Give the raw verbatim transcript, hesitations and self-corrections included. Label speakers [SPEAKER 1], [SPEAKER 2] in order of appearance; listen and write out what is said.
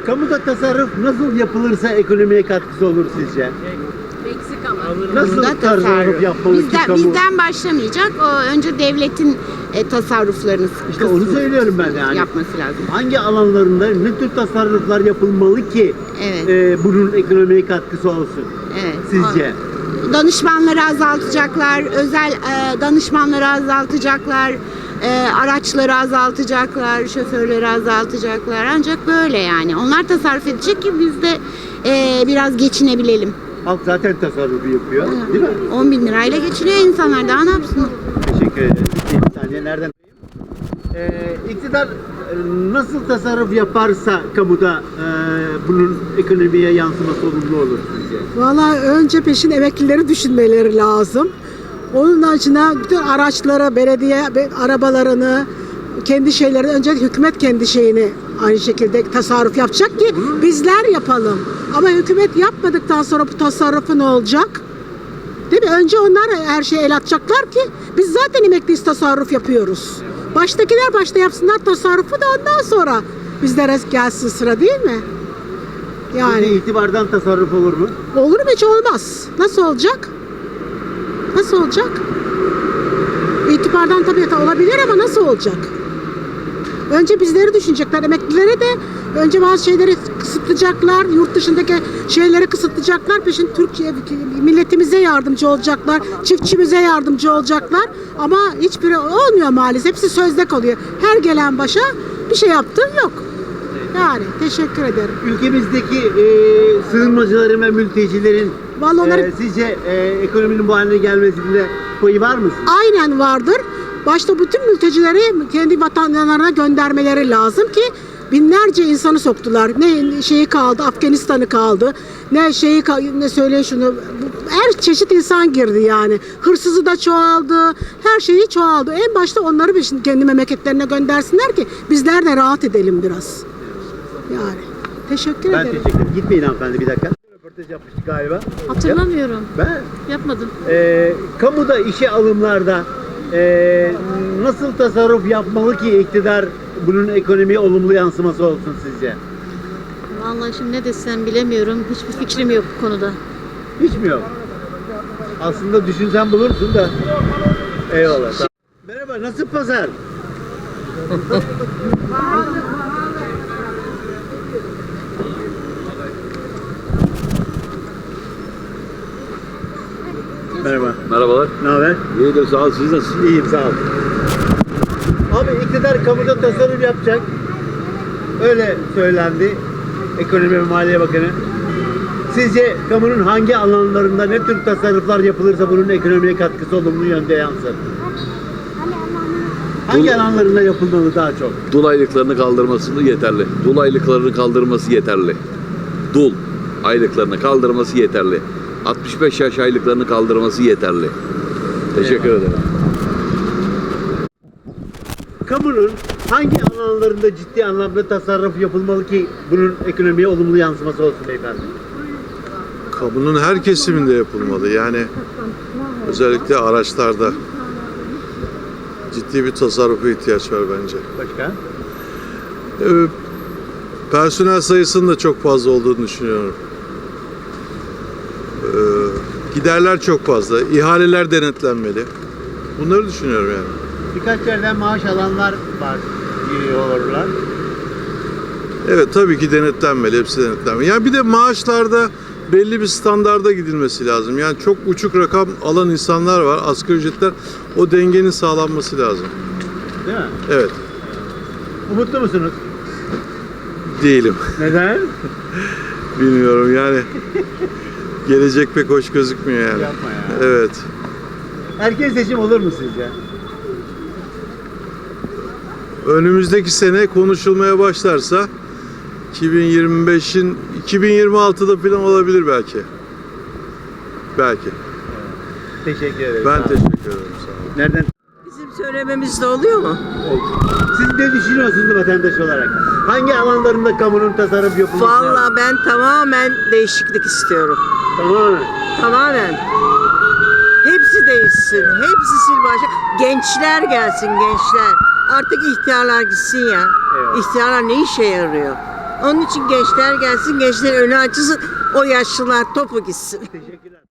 [SPEAKER 1] Kamuda tasarruf nasıl yapılırsa ekonomiye katkısı olur sizce?
[SPEAKER 2] Eksik ama.
[SPEAKER 1] Nasıl
[SPEAKER 3] Bunda
[SPEAKER 1] tasarruf
[SPEAKER 3] tasarruf.
[SPEAKER 1] yapmalı ki
[SPEAKER 3] Bizden,
[SPEAKER 1] kamu?
[SPEAKER 3] bizden başlamayacak. O önce devletin e, tasarruflarını
[SPEAKER 1] İşte onu söylüyorum ben yani.
[SPEAKER 3] yapması lazım.
[SPEAKER 1] Hangi alanlarında ne tür tasarruflar yapılmalı ki
[SPEAKER 3] Evet.
[SPEAKER 1] e, bunun ekonomiye katkısı olsun
[SPEAKER 3] Evet.
[SPEAKER 1] sizce?
[SPEAKER 3] Danışmanları azaltacaklar, özel e, danışmanları azaltacaklar, e, araçları azaltacaklar, şoförleri azaltacaklar. Ancak böyle yani. Onlar tasarruf edecek ki biz de e, biraz geçinebilelim.
[SPEAKER 1] Halk zaten tasarrufu yapıyor, değil mi?
[SPEAKER 3] on bin lirayla geçiniyor insanlar. Daha ne yapsın?
[SPEAKER 1] Teşekkür ederim. Bir saniye nereden? Ee, iktidar e, nasıl tasarruf yaparsa kamuda e, bunun ekonomiye yansıması olumlu olur sizce?
[SPEAKER 4] Valla önce peşin emeklileri düşünmeleri lazım. Onun için bütün araçları, belediye be- arabalarını, kendi şeyleri, önce hükümet kendi şeyini aynı şekilde tasarruf yapacak ki bizler yapalım. Ama hükümet yapmadıktan sonra bu tasarrufu ne olacak? Değil mi? Önce onlar her şeye el atacaklar ki biz zaten emekliyiz, tasarruf yapıyoruz. Baştakiler başta yapsınlar tasarrufu da ondan sonra bizlere gelsin sıra, değil mi?
[SPEAKER 1] Yani
[SPEAKER 4] Yani
[SPEAKER 1] itibardan tasarruf olur mu?
[SPEAKER 4] olur mu? Hiç olmaz. Nasıl olacak? Nasıl olacak? İtibardan tabii ki olabilir ama nasıl olacak? Önce bizleri düşünecekler. Emeklilere de önce bazı şeyleri kısıtlayacaklar. Yurt dışındaki şeyleri kısıtlayacaklar. Peşin Türkiye milletimize yardımcı olacaklar. Çiftçimize yardımcı olacaklar. Ama hiçbiri olmuyor maalesef. Hepsi sözde kalıyor. Her gelen başa bir şey yaptığın yok. Yani teşekkür ederim.
[SPEAKER 1] Ülkemizdeki e, sığınmacıların ve mültecilerin
[SPEAKER 4] Vallahi onları-
[SPEAKER 1] e, sizce e, ekonominin bu haline gelmesinde payı var mı?
[SPEAKER 4] Aynen vardır. Başta bütün mültecileri kendi vatanlarına göndermeleri lazım ki binlerce insanı soktular. Ne şeyi kaldı, Afganistan'ı kaldı. Ne şeyi ka- ne söyle şunu. Her çeşit insan girdi yani. Hırsızı da çoğaldı. Her şeyi çoğaldı. En başta onları bir şimdi kendi memleketlerine göndersinler ki bizler de rahat edelim biraz. Yani. Teşekkür
[SPEAKER 1] Ben
[SPEAKER 4] ederim.
[SPEAKER 1] teşekkür ederim. Gitmeyin hanımefendi bir dakika. Röportaj yapmıştık galiba.
[SPEAKER 2] Hatırlamıyorum.
[SPEAKER 1] Ben
[SPEAKER 2] Yapmadım.
[SPEAKER 1] e, kamuda işe alımlarda e, nasıl tasarruf yapmalı ki iktidar bunun ekonomiye olumlu yansıması olsun sizce?
[SPEAKER 2] Vallahi şimdi ne desem bilemiyorum. Hiçbir fikrim yok bu konuda.
[SPEAKER 1] Hiç mi yok? Aslında düşünsen bulursun da. Eyvallah. Tamam. Merhaba, nasıl pazar? Merhaba.
[SPEAKER 5] Merhabalar.
[SPEAKER 1] Ne haber?
[SPEAKER 5] İyidir, sağ ol. Siz nasılsınız?
[SPEAKER 1] İyiyim, sağ ol. Abi iktidar kamuda tasarruf yapacak. Öyle söylendi Ekonomi ve Maliye Bakanı. Sizce kamunun hangi alanlarında ne tür tasarruflar yapılırsa bunun ekonomiye katkısı olumlu yönde yansır? Hangi
[SPEAKER 5] Dul-
[SPEAKER 1] alanlarında yapılmalı daha çok?
[SPEAKER 5] Dul aylıklarını kaldırması yeterli. Dul aylıklarını kaldırması yeterli. Dul aylıklarını kaldırması yeterli. altmış beş yaş aylıklarını kaldırması yeterli. Teşekkür ederim.
[SPEAKER 1] Kamunun hangi alanlarında ciddi anlamda tasarruf yapılmalı ki bunun ekonomiye olumlu yansıması olsun beyefendi?
[SPEAKER 6] Kamunun her kesiminde yapılmalı. Yani özellikle araçlarda ciddi bir tasarrufa ihtiyaç var bence.
[SPEAKER 1] Başka?
[SPEAKER 6] Ee, personel sayısının da çok fazla olduğunu düşünüyorum. Ee, giderler çok fazla. İhaleler denetlenmeli. Bunları düşünüyorum yani.
[SPEAKER 1] Birkaç yerden maaş alanlar var giriyorlar.
[SPEAKER 6] Evet, tabii ki denetlenmeli. Hepsi denetlenmeli. Yani bir de maaşlarda belli bir standarda gidilmesi lazım. Yani çok uçuk rakam alan insanlar var. Asgari ücretler, o dengenin sağlanması lazım.
[SPEAKER 1] Değil mi?
[SPEAKER 6] Evet.
[SPEAKER 1] Umutlu musunuz?
[SPEAKER 6] Değilim.
[SPEAKER 1] Neden?
[SPEAKER 6] Bilmiyorum yani. Gelecek pek hoş gözükmüyor yani.
[SPEAKER 1] Yapma ya.
[SPEAKER 6] Evet.
[SPEAKER 1] Erken seçim olur mu sizce?
[SPEAKER 6] Önümüzdeki sene konuşulmaya başlarsa iki bin yirmi beşin iki bin yirmi altıda falan olabilir belki. Belki.
[SPEAKER 1] Teşekkür ederim.
[SPEAKER 6] Ben
[SPEAKER 1] Sağ olun.
[SPEAKER 6] teşekkür ederim. Sağ olun.
[SPEAKER 1] Nereden?
[SPEAKER 7] Bizim söylememizde oluyor mu?
[SPEAKER 1] Siz ne düşünüyorsunuz vatandaş olarak? Hangi alanlarında kamunun tasarruf yapılması lazım?
[SPEAKER 7] Vallahi ben tamamen değişiklik istiyorum.
[SPEAKER 1] Tamamen.
[SPEAKER 7] Tamamen. Hepsi değişsin. Hepsi sil başa. Gençler gelsin, gençler. Artık ihtiyarlar gitsin ya.
[SPEAKER 1] Evet.
[SPEAKER 7] İhtiyarlar ne işe yarıyor? Onun için gençler gelsin, gençlerin önü açılsın, o yaşlılar topu gitsin.
[SPEAKER 1] Teşekkürler.